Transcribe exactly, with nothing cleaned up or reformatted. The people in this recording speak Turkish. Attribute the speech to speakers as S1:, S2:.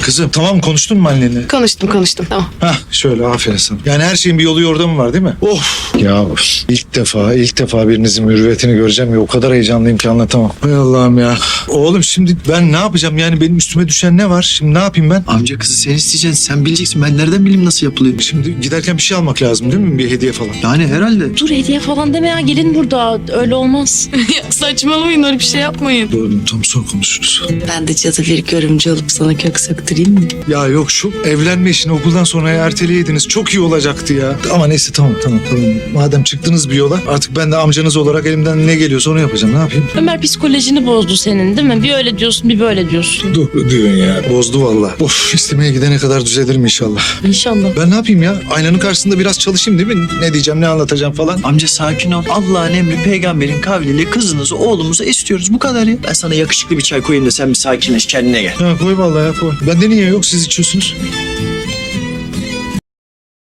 S1: Kızım tamam konuştun mu annenle?
S2: Konuştum konuştum tamam.
S1: Hah şöyle aferin sana. Yani her şeyin bir yolu yordamı var değil mi? Of. Ya ilk defa ilk defa birinizin mürüvvetini göreceğim ya o kadar heyecanlıyım ki anlatamam. Hay Allah'ım ya. Oğlum şimdi ben ne yapacağım yani benim üstüme düşen ne var? Şimdi ne yapayım ben?
S3: Amca kızı sen isteyeceksin. Sen bileceksin. Ben nereden bileyim nasıl yapılıyor?
S1: Şimdi giderken bir şey almak lazım değil mi? Bir hediye falan.
S3: Yani herhalde.
S2: Dur hediye falan deme ya gelin burada öyle olmaz. Ya saçmalamayın öyle bir şey yapmayın.
S1: Doğru tam son konuşuruz.
S2: Ben de cadı bir görümce alıp sana kök söktüreyim mi?
S1: Ya yok şu evlenme işini okuldan sonra erteleyeydiniz. Çok iyi olacaktı ya. Ama neyse tamam tamam tamam. Madem çıktınız bir yola artık ben de amcanız olarak elimden ne geliyorsa onu yapacağım. Ne yapayım?
S2: Ömer psikolojini bozdu senin değil mi? Bir öyle diyorsun bir böyle diyorsun.
S1: Dur diyorsun ya. Bozdu valla. Of istemeye gidene kadar düzelirim inşallah.
S2: İnşallah.
S1: Ben ne yapayım ya? Aynanın karşısında biraz çalışayım değil mi? Ne diyeceğim ne anlatacağım falan.
S3: Amca sakin ol. Allah'ın emri peygamberin kavliyle kızınızı oğlumuza istiyoruz. Bu kadar ya. Ben sana yakışıklı bir çay koyayım da sen bir sakinleş kendine gel.
S1: Ya koy vallahi ya koy. Bende niye yok siz içiyorsunuz?